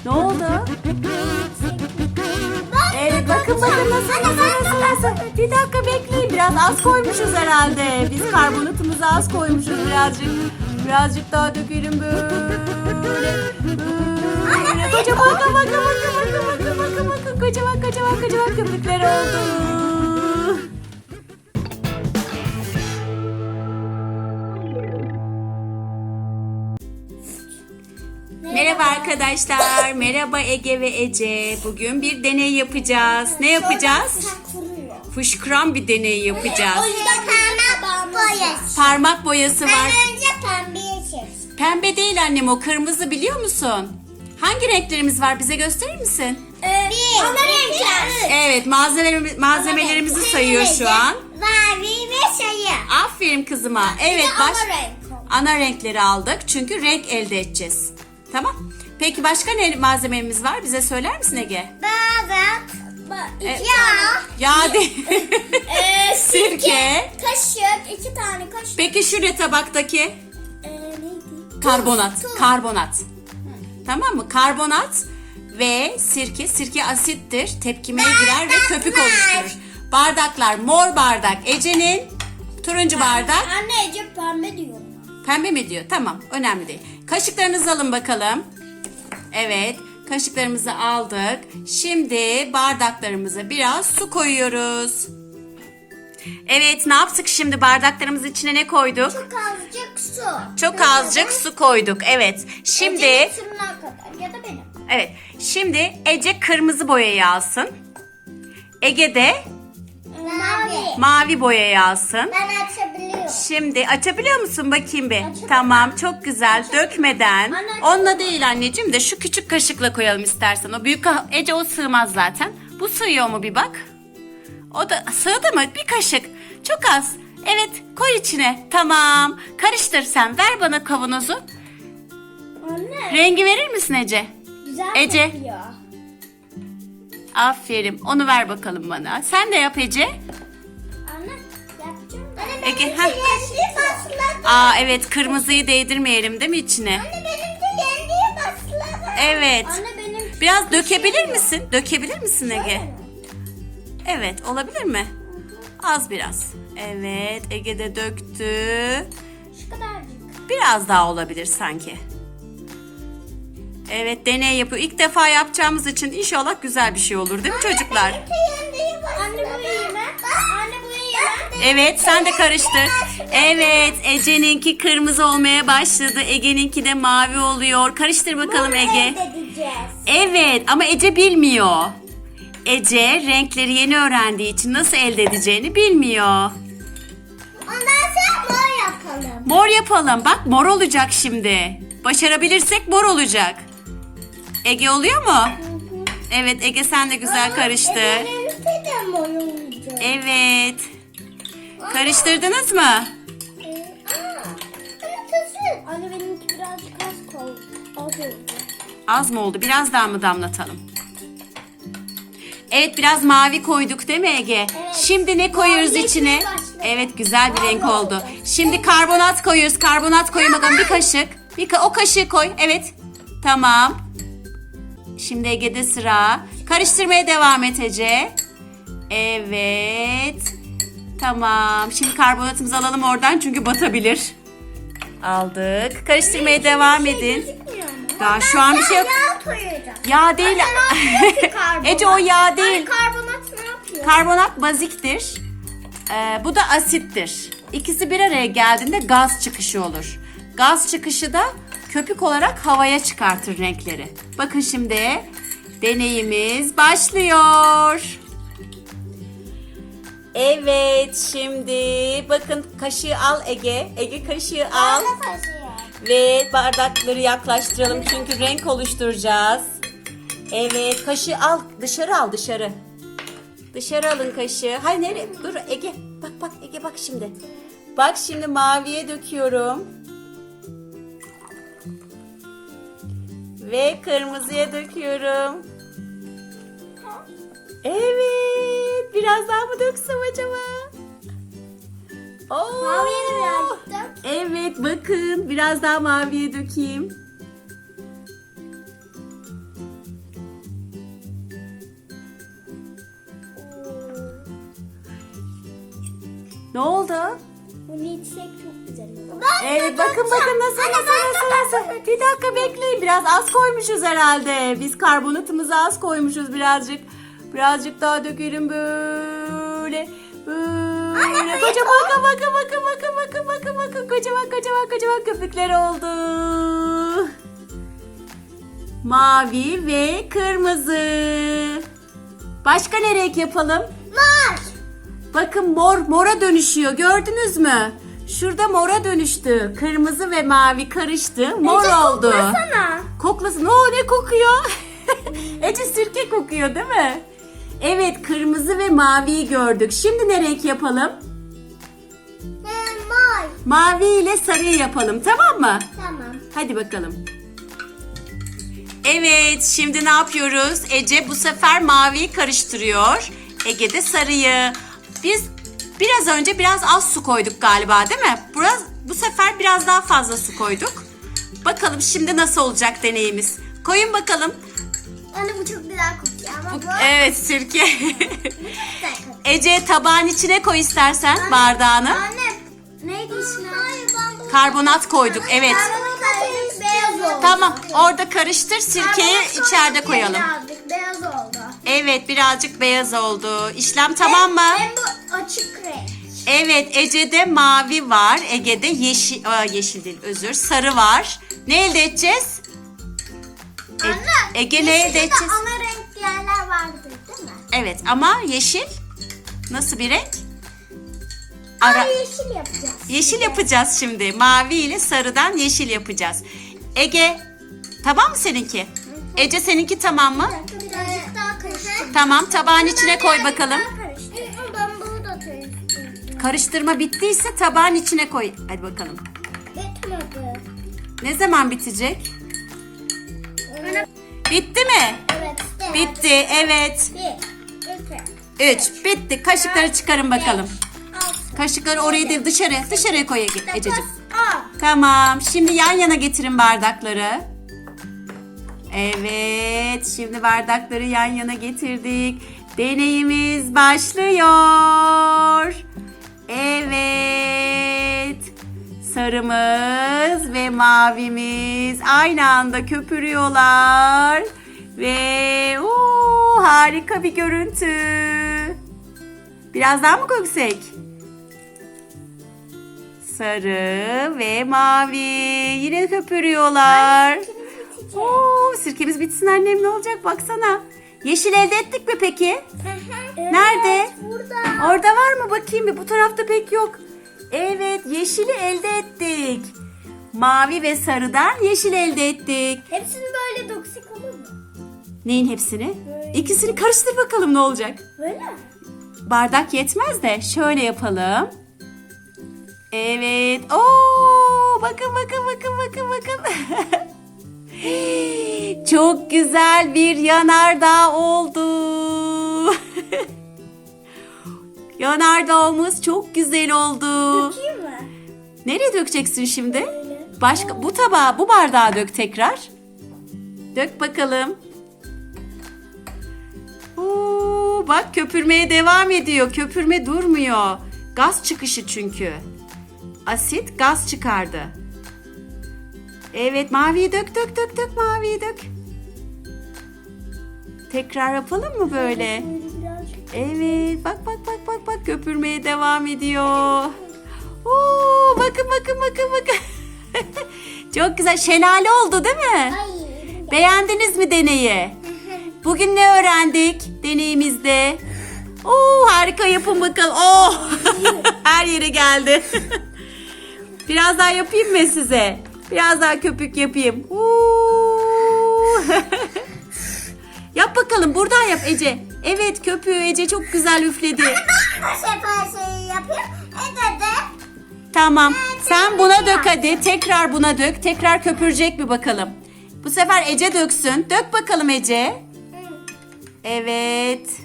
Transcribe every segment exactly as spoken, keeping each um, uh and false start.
Ne oldu? Evet bakın bakın nasıl nasıl nasıl nasıl. Bir dakika bekleyin, biraz az koymuşuz herhalde. Biz karbonatımızı az koymuşuz birazcık. Birazcık daha dökelim böyle. Böyle kocaman bakın bakın bakın bakın bakın bakın bakın kocaman kocaman kocaman köpükler oldu. Merhaba arkadaşlar. Merhaba Ege ve Ece. Bugün bir deney yapacağız. Ne yapacağız? Fışkıran bir deney yapacağız. O yüzden parmak boyası. Parmak boyası var. Ben önce pembeye çektim. Pembe değil annem, o kırmızı, biliyor musun? Hangi renklerimiz var, bize gösterir misin? Ee, bir, ana renkler. Evet, malzemelerimiz, malzemelerimizi sayıyor şu an. Mavi ve sarı. Aferin kızıma. Evet, ana baş... renk. ana renkleri aldık çünkü renk elde edeceğiz. Tamam. Peki başka ne malzememiz var? Bize söyler misin Ege? Bardak. E, Yağ. Yağ değil. Ee, Sirke. Kaşık. iki tane kaşık. Peki şu tabaktaki? Ee, neydi? Karbonat. Tuz. Karbonat. Tamam mı? Karbonat ve sirke. Sirke asittir. Tepkimeye girer ve köpük oluşturur. Bardaklar. Mor bardak Ece'nin. Turuncu bardak. Anne Ece pembe diyor. Pembe mi diyor? Tamam. Önemli değil. Kaşıklarınızı alın bakalım. Evet. Kaşıklarımızı aldık. Şimdi bardaklarımıza biraz su koyuyoruz. Evet, ne yaptık şimdi? Bardaklarımızın içine ne koyduk? Çok azıcık su. Çok azıcık su koyduk. Evet. Şimdi Ece'nin sırrına kadar ya da benim. evet. Şimdi Ece kırmızı boyayı alsın. Ege de Mavi. mavi boyayı alsın. Ben açabiliyorum. Şimdi açabiliyor musun bakayım bir? Açabilirim. Tamam, çok güzel. Dökmeden. Anne, açabilirim. Onunla değil anneciğim, de şu küçük kaşıkla koyalım istersen. O büyük ka- Ece o sığmaz zaten. Bu sığıyor mu bir bak. O da sığdı mı? Bir kaşık. Çok az. Evet, koy içine. Tamam. Karıştır sen. Ver bana kavanozu. Anne. Rengi verir misin Ece? Güzel Ece. kokuyor. Aferin. Onu ver bakalım bana. Sen de yap Ece. Anne yapacağım. Anne Ege, benimki heh. yendi başladı. Aa evet, kırmızıyı değdirmeyelim değil mi içine? Anne benimki yendi başladı. Evet. Anne benim. Biraz dökebilir misin? Dökebilir misin Ege? Şöyle mi? Evet, olabilir mi? Az biraz. Evet, Ege de döktü. Şu kadarcık. Biraz daha olabilir sanki. Evet, deney yapıyor. İlk defa yapacağımız için inşallah güzel bir şey olur değil mi çocuklar? Benimki yendi başladı. Anne bu iyi mi? Anne bu iyi mi? Evet, sen de karıştır. Evet, Ece'ninki kırmızı olmaya başladı. Ege'ninki de mavi oluyor. Karıştır bakalım Bunu Ege. elde edeceğiz. Evet, ama Ece bilmiyor. Ece renkleri yeni öğrendiği için nasıl elde edeceğini bilmiyor. Ondan sonra mor yapalım. Mor yapalım. Bak, mor olacak şimdi. Başarabilirsek mor olacak. Ege oluyor mu? Evet, Ege sen de güzel karıştır. Benimki de mor olacak. Evet. Karıştırdınız mı? Ee, aa, Anne tuzu. Anne benimki birazcık az koy. Az oldu. Az mı oldu? Biraz daha mı damlatalım? Evet, biraz mavi koyduk değil mi Ege? Evet. Şimdi ne koyuyoruz Mavi içine? yeşil başladı. Evet, güzel bir renk Mavi oldu. oldu. Şimdi karbonat koyuyoruz. Karbonat koyun bakalım, bir kaşık. Bir ka- o kaşığı koy. Evet. Tamam. Şimdi Ege'de sıra. Karıştırmaya devam et Ece. Evet. Tamam. Şimdi karbonatımızı alalım oradan çünkü batabilir. Aldık. Karıştırmaya devam edin. Daha şu an bir şey yok. Yağ koyacağım. Yağ değil. Karbonat. Ece o yağ değil. Anne karbonat ne yapıyor? Karbonat baziktir. Ee, bu da asittir. İkisi bir araya geldiğinde gaz çıkışı olur. Gaz çıkışı da köpük olarak havaya çıkartır renkleri. Bakın şimdi deneyimiz başlıyor. Evet, şimdi bakın kaşığı al Ege. Ege kaşığı al. Anne taşıyor. Ve bardakları yaklaştıralım çünkü renk oluşturacağız. Evet, kaşığı al. Dışarı al, dışarı. Dışarı alın kaşığı. Hayır, nereye? Dur Ege. Bak bak Ege, bak şimdi. Bak şimdi maviye döküyorum. Ve kırmızıya döküyorum. Evet. Biraz daha mı döksem acaba? Oo. Maviye de birazcık dök. Evet, bakın biraz daha maviye dökeyim. Ne oldu? Bunu içsek çok güzel olur. Evet bakın bakın nasıl nasıl nasıl nasıl. Bir dakika bekleyin, biraz az koymuşuz herhalde. Biz karbonatımızı az koymuşuz birazcık. Birazcık daha dökelim böyle. Böyle kocaman bakın bakın bakın bakın bakın bakın bakın kocaman kocaman kocaman köpükler oldu. Mavi ve kırmızı. Başka ne renk yapalım? Mor. Bakın mor mora dönüşüyor, gördünüz mü? Şurada mora dönüştü. Kırmızı ve mavi karıştı. Mor Ece, oldu. koklasana. Koklasın. Oo, ne kokuyor? Ece sirke kokuyor değil mi? Evet, kırmızı ve maviyi gördük. Şimdi ne renk yapalım? Ee, mor. Mavi ile sarıyı yapalım, tamam mı? Tamam. Hadi bakalım. Evet, şimdi ne yapıyoruz? Ece bu sefer maviyi karıştırıyor. Ege de sarıyı. Biz biraz önce biraz az su koyduk galiba, değil mi? Biraz, bu sefer biraz daha fazla su koyduk. Bakalım şimdi nasıl olacak deneyimiz. Koyun bakalım. Anne bu çok güzel kokuyor ama Bu, bu evet, sirke. güzel kokuyor. Ece tabağın içine koy istersen bardağını. Anne neydi ismi? Hayır ben bunu... Karbonat koyduk, evet. Karbonat beyaz oldu. Tamam, orada karıştır, sirkeyi Karbonat içeride sonra koyalım. birazcık beyaz oldu. Evet, birazcık beyaz oldu. İşlem tamam mı? Hem bu açık renk. Evet, Ece'de mavi var. Ege'de yeşil, aa, yeşil değil, özür, sarı var. Ne elde edeceğiz? E- Anne. Ege ne elde yeşilde de edeceğiz? ana renk yerler vardır değil mi? Evet, ama yeşil nasıl bir renk? Ara. Ara, yeşil yapacağız. yeşil yapacağız şimdi. Mavi ile sarıdan yeşil yapacağız. Ege, tamam mı seninki? Ece seninki tamam mı? Birazcık daha karıştır. Tamam, tabağın içine koy bakalım. Ben bunu da karıştırdım. Karıştırma bittiyse tabağın içine koy. Hadi bakalım. Bitmedi. Ne zaman bitecek? Bitti mi? Evet. işte. Bitti, evet. Bir, iki, Üç, bitti. Kaşıkları çıkarın bakalım. altı, Kaşıkları oraya değil, dışarı. Dışarıya koy Ege- Ececiğim. dokuz, on. Tamam. Şimdi yan yana getirin bardakları. Evet. Şimdi bardakları yan yana getirdik. Deneyimiz başlıyor. Evet. Sarımız ve mavimiz aynı anda köpürüyorlar. Ve uu, harika bir görüntü. Biraz daha mı koysak? Sarı ve mavi yine köpürüyorlar. Oo, sirkemiz bitsin annem, ne olacak baksana. Yeşil elde ettik mi peki? Nerede? Burada. Orada var mı, bakayım bir, bu tarafta pek yok. Evet, yeşili elde ettik. Mavi ve sarıdan yeşil elde ettik. Hepsini böyle doksik olur mu? Neyin hepsini? Böyle. İkisini karıştır bakalım ne olacak. Böyle mi? Bardak yetmez de şöyle yapalım. Evet. Oo, bakın bakın bakın bakın bakın. Çok güzel bir yanardağ oldu. Yanardağımız çok güzel oldu. Dökeyim mi? Nereye dökeceksin şimdi? Böyle. Başka bu tabağa, bu bardağa dök tekrar. Dök bakalım. Oo, bak köpürmeye devam ediyor. Köpürme durmuyor. Gaz çıkışı çünkü. Asit gaz çıkardı. Evet, maviyi dök dök dök dök maviyi dök. Tekrar yapalım mı böyle? Böyle birazcık. Evet, bak bak bak bak bak köpürmeye devam ediyor. Oo, bakın bakın bakın bakın. Çok güzel, şelale oldu değil mi? Ay. Beğendiniz mi deneyi? Bugün ne öğrendik deneyimizde? Oo, harika, yapın bakalım. Oo, her yere geldi. Biraz daha yapayım mı size? Biraz daha köpük yapayım. Oo. Yap bakalım, buradan yap Ece. Evet, köpüğü Ece çok güzel üfledi. Bu sefer şeyi yapayım. Ede de. Tamam. Sen buna dök hadi. Tekrar buna dök. Tekrar köpürecek mi bakalım. Bu sefer Ece döksün. Dök bakalım Ece. Evet.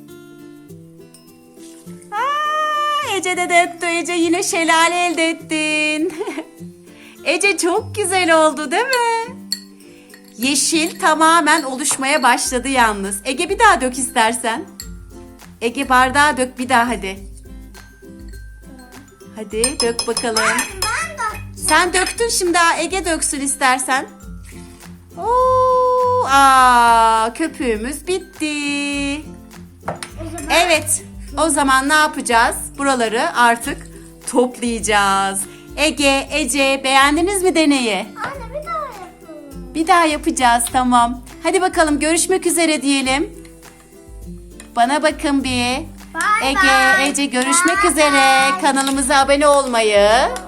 Aa, Ece de döktü. Ece yine şelale elde ettin. Ece çok güzel oldu değil mi? Yeşil tamamen oluşmaya başladı yalnız. Ege bir daha dök istersen. Ege bardağa dök bir daha hadi. Hadi dök bakalım. Ben de. Sen döktün, şimdi Ege döksün istersen. Oo, aa, köpüğümüz bitti. O zaman Evet, o zaman ne yapacağız? Buraları artık toplayacağız. Ege, Ece, beğendiniz mi deneyi? anne bir daha yapalım. Bir daha yapacağız, tamam. Hadi bakalım, görüşmek üzere diyelim. Bana bakın bir. Bye Ege, bye. Ece görüşmek Bye üzere. bye. Kanalımıza abone olmayı,